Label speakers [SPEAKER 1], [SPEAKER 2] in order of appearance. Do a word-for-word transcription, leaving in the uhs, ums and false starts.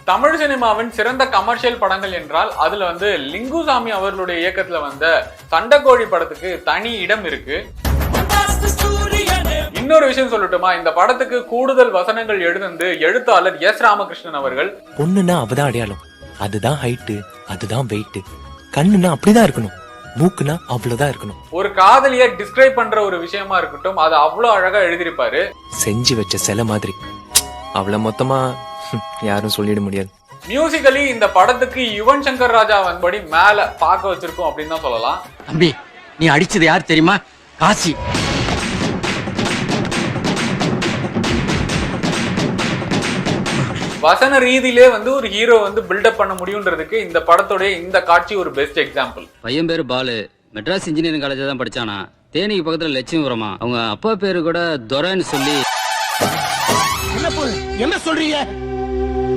[SPEAKER 1] தமிழ் சினிமாவின் சிறந்த கமர்ஷியல் படங்கள் என்றால் அதுல வந்து லிங்குசாமி அவர்களுடைய இயக்கத்துல வந்த சண்டைக்கோழி படத்துக்கு தனி இடம் இருக்கு. இன்னொரு விஷயம் சொல்லட்டுமா, இந்த படத்துக்கு கூடுதல் வசனங்கள் எழுந்து எழுத்தாளர் எஸ் ராமகிருஷ்ணன் அவர்கள்.
[SPEAKER 2] பொண்ணுன்னா அவதான் அடையாளம், அதுதான் ஹைட்டு, அதுதான் வெயிட், கண்ணுன்னா அப்படிதான் இருக்கணும், மூக்குனா அவ்வளவுதான் இருக்கணும்.
[SPEAKER 1] ஒரு காதலிய டிஸ்கிரைப் பண்ற ஒரு விஷயமா இருக்கட்டும், அது அவ்வளவு அழகா எழுதியிருப்பாரு.
[SPEAKER 2] செஞ்சு வச்ச சிலை மாதிரி. அவளை மொத்தமா யாரும் சொல்லிட முடியாது.
[SPEAKER 1] மியூசிக்கலி இந்த படத்துக்கு யுவன் சங்கர் ராஜா வந்தபடி மேல பார்க்க வச்சிருக்கோம் அப்படின்னு தான் சொல்லலாம்.
[SPEAKER 3] தம்பி, நீ அடிச்சது யார் தெரியுமா? காசி.
[SPEAKER 1] வசன ரீதியிலே வந்து ஒரு ஹீரோ வந்து பில்டப் பண்ண முடியும்ன்றதுக்கு இந்த படத்தோட இந்த காட்சி ஒரு பெஸ்ட் எக்ஸாம்பிள்.
[SPEAKER 4] பையன் பேரு பாலு, மெட்ராஸ் இன்ஜினியரிங் காலேஜ் தான் படிச்சானா. தேனிக்கு பக்கத்துல லட்சுமிபுரமா. அவங்க அப்பா பேரு கூட துரைன்னு சொல்லி.
[SPEAKER 3] என்ன சொல்றீங்க?